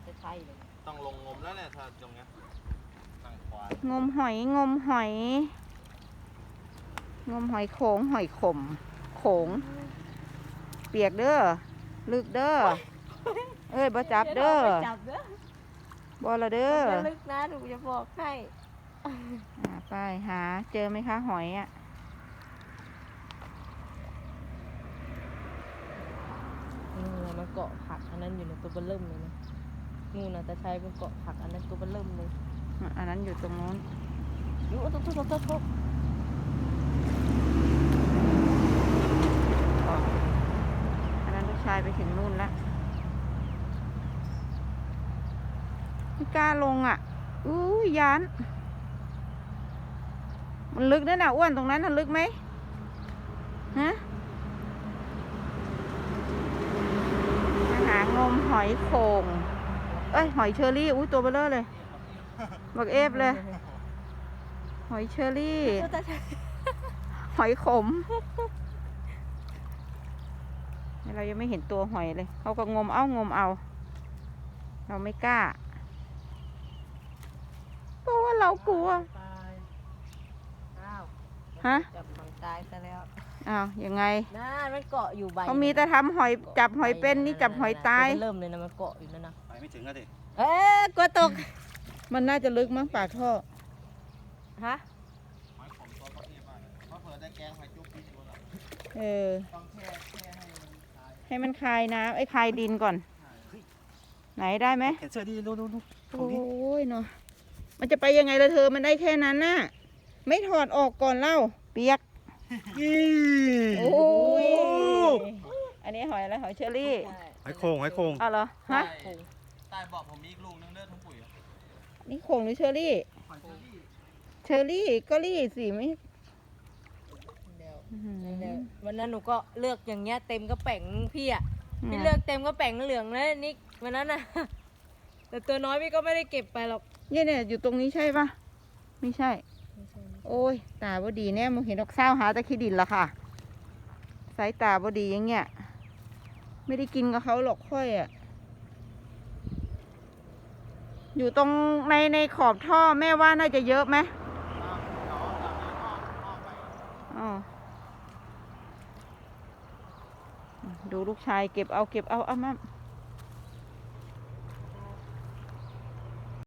จะใช่เลยต้องลงงมแล้วเนี่ยถ้าตรงเนี้ยนั่งควายงมหอยงมหอย งมหอยโขงหอยขมโขงเปียกเด้อลึกเด้อเอ้ยบ่จับเด้อจับเด้อบ่ละเด้อไม่ลึกนะหนูจะบอกให้ไปหาเจอไหมคะหอยอ่ะนู่นมันเกาะผักอันนั้นอยู่ในตัวเบลเริ่มเลยนะนู่นนะแต่ใช้เป็นเกาะผักอันนั้นตัวเบลเริ่มเลยอันนั้นอยู่ตรงนู้นอยู่ทุกอันนั้นลูกชายไปถึงนู่นแล้วไม่กล้าลงอ่ะอู้ยยานมันลึกนั่นน่ะอ้วนตรงนั้นน่ะลึกไหมฮะมาหางมหอยโข่งเอ้ยหอยเชอรี่อุ้ยตัวเบลอเลยบักเอฟเลย หอยเชอรี่ หอยขมเรายังไม่เห็นตัวหอยเลยเขาก็งมเอางมเอา เราไม่กล้าเพราะว่าเรากลัวตายอ้าวฮะจับมันตายซะแล้วอ้าวยังไงน่ามันเกาะอยู่ใบเขามีแต่ทำหอยจับหอยเป็นนี่จับหอยตายเริ่มเลยนะมันเกาะอยู่นั่นนะไปไม่ถึงแล้วดิเอ๊ะกลัวตกมันน่าจะลึกมั้งปากท่อฮะหอยขมตัวเขาเทียบมากเลยเพราะเผื่อได้แกงหอยจุ๊บกินอยู่แล้วเออต้องแช่ให้มันตายให้มันคายน้ำไอ้คายดินก่อน ไหนได้ไหมเห็นเสื้อดีดูโอ้ยเนาะมันจะไปยังไงละเธอมันได้แค่นั้นน่ะไม่ถอดออกก่อนเล่าเปียก โอ้ยอันนี้หอยอะไรหอยเชอรี่หอยโข่งหอยโข่งเอาเหรอฮะใต้เบอกผมมีอีกลูกนึงเด้อทั้งปุ๋ยอะนี่โขงหรือเชอรี่หอยเชอรี่เชอรี่ก็รี่สิไม่เดี๋ยวอื้อหือเดี๋ยววันนั้นหนูก็เลือกอย่างเงี้ยเต็มกระแป๋งพี่อ่ะพี่เลือกเต็มกระแป๋งเหลืองเลยนิกวันนั้นน่ะ แต่ตัวน้อยพี่ก็ไม่ได้เก็บไปหรอกเนี่ยอยู่ตรงนี้ใช่ปะไม่ใช่ โอ้ยตาบ่ดีแน่มึงเห็นดอกเศร้าหาตะขี้ดินละค่ะสายตาบ่ดีอย่างเงี้ยไม่ได้กินกับเขาหรอกค่อยอ่ะอยู่ตรงในขอบท่อแม่ว่าน่าจะเยอะไหมอ๋อดูลูกชายเก็บเอาเอามา